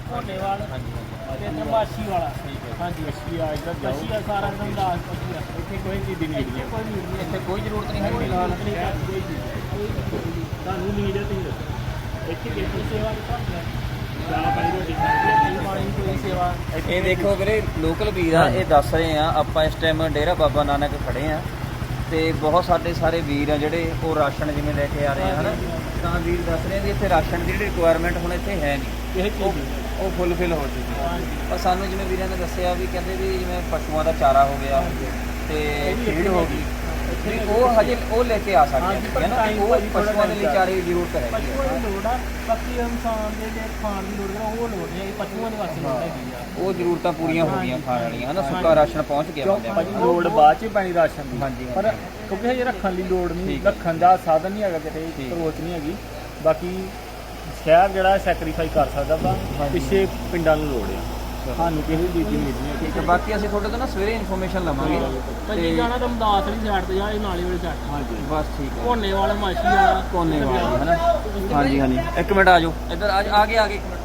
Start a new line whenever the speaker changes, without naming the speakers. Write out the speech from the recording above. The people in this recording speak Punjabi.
ਘੋਨੇਵਾਲ ਤੇ ਨਰਮਾਸ਼ੀ ਵਾਲਾ। ਹਾਂਜੀ ਅੱਛੀ ਆ ਇੱਧਰ ਜਾਓ। ਅੱਛੀ ਆ ਸਾਰਾ ਦਿਨ ਦਾਸ ਪੱਕੀ ਆ। ਇੱਥੇ ਕੋਈ ਚੀਜ਼ ਦੀ ਨੀਡ ਨਹੀਂ, ਕੋਈ ਨੀਡ ਨਹੀਂ,
ਇੱਥੇ ਕੋਈ ਜ਼ਰੂਰਤ ਨਹੀਂ ਹੈ ਫਿਲਹਾਲ।
ਤੁਹਾਨੂੰ ਨੀਡ ਹੈ ਤੁਸੀਂ ਦੱਸੋ ਇੱਥੇ ਕਿਹੜੀ ਸੇਵਾ ਦੀ ਤੁਹਾਨੂੰ ਚਾਹ ਪਾਣੀ ਰੋਟੀ ਖਾਣੀ ਪਾਣੀ ਕੋਈ ਸੇਵਾ।
ਇਹ ਦੇਖੋ ਵੀਰੇ ਲੋਕਲ ਵੀਰ ਆ, ਇਹ ਦੱਸ ਰਹੇ ਆ। ਆਪਾਂ ਇਸ ਟਾਈਮ ਡੇਰਾ ਬਾਬਾ ਨਾਨਕ ਖੜੇ ਆ ਤੇ ਬਹੁਤ ਸਾਡੇ ਸਾਰੇ ਵੀਰ ਆ ਜਿਹੜੇ ਉਹ ਰਾਸ਼ਨ ਜਿਵੇਂ ਲੈ ਕੇ ਆ ਰਹੇ ਆ ਹਨਾ। ਤਾਂ ਵੀਰ ਦੱਸ ਰਹੇ ਵੀ ਇੱਥੇ ਰਾਸ਼ਨ ਦੀ ਜਿਹੜੀ ਰਿਕੁਆਇਰਮੈਂਟ ਹੁਣ ਇੱਥੇ ਹੈ ਨਹੀਂ,
ਇਹ ਚੀਜ਼
ਉਹ ਫੁੱਲਫਿਲ ਹੋ ਚੁੱਕੀ। ਪਰ ਸਾਨੂੰ ਜਿਵੇਂ ਵੀਰਾਂ ਨੇ ਦੱਸਿਆ ਵੀ ਕਹਿੰਦੇ ਵੀ ਜਿਵੇਂ ਪਸ਼ੂਆਂ ਦਾ ਚਾਰਾ ਹੋ ਗਿਆ ਤੇ ਫੀਡ ਹੋ ਗਈ, ਵੀ ਉਹ ਹਜੇ ਉਹ ਲੈ ਕੇ ਆ ਸਕਦੇ ਹੈ ਨਾ। ਉਹ ਪਸ਼ੂਆਂ ਦੇ ਲਈ ਚਾਰੇ ਦੀ ਜ਼ਰੂਰਤ ਹੈ।
ਪਸ਼ੂਆਂ ਦੀ ਲੋੜ ਆ, ਬਾਕੀ ਇਨਸਾਨ ਦੇ ਜੇ ਖਾਣ ਦੀ ਲੋੜ ਆ ਉਹ ਲੋੜ ਨਹੀਂ, ਪਸ਼ੂਆਂ ਦੇ ਵਾਸਤੇ ਲੋੜ ਹੈਗੀ ਆ।
ਉਹ ਜ਼ਰੂਰਤਾਂ ਪੂਰੀਆਂ ਹੋ ਗਈਆਂ ਖਾਣ ਵਾਲੀਆਂ ਹਨਾ। ਸੁੱਕਾ ਰਾਸ਼ਨ ਪਹੁੰਚ ਗਿਆ ਬੰਦਿਆਂ
ਭਾਜੀ ਲੋੜ ਬਾਅਦ 'ਚ ਪੈਣੀ ਰਾਸ਼ਨ ਦੀ।
ਹਾਂਜੀ
ਪਰ ਕਿਉਂਕਿ ਹਜੇ ਰੱਖਣ ਦੀ ਲੋੜ ਨਹੀਂ, ਰੱਖਣ ਦਾ ਸਾਧਨ ਨਹੀਂ ਹੈਗਾ, ਕਿਤੇ ਸਰੋਤ ਨਹੀਂ ਹੈਗੀ। ਬਾਕੀ ਸ਼ਹਿਰ ਜਿਹੜਾ ਸੈਕਰੀਫਾਈ ਕਰ ਸਕਦਾ ਵਾ, ਪਿੱਛੇ ਪਿੰਡਾਂ ਨੂੰ ਲੋੜ ਆ। ਸਾਨੂੰ ਕਿਸੇ ਚੀਜ਼ ਦੀ ਨੀਡ ਨਹੀਂ ਹੈ।
ਠੀਕ ਹੈ, ਬਾਕੀ ਅਸੀਂ ਤੁਹਾਡੇ ਤੋਂ ਨਾ ਸਵੇਰੇ ਇਨਫੋਰਮੇਸ਼ਨ ਲਵਾਂਗੇ।
ਭਾਜੀ ਜਾਣਾ ਤਾਂ ਮਦਾਸ ਵਾਲੀ ਸਾਈਡ ਤੇ ਜਾ, ਇਹ ਨਾਲੇ ਵਾਲੀ ਸਾਈਡ। ਹਾਂਜੀ
ਬਸ ਠੀਕ ਹੈ।
ਘੋਨੇਵਾਲ ਮਾਛੀ ਵਾਲਾ
ਕੋਨੇਵਾਲ ਹਨਾ। ਹਾਂਜੀ ਹਾਂਜੀ, ਇੱਕ ਮਿੰਟ ਆ ਜਾਓ ਇੱਧਰ ਆ ਗਏ।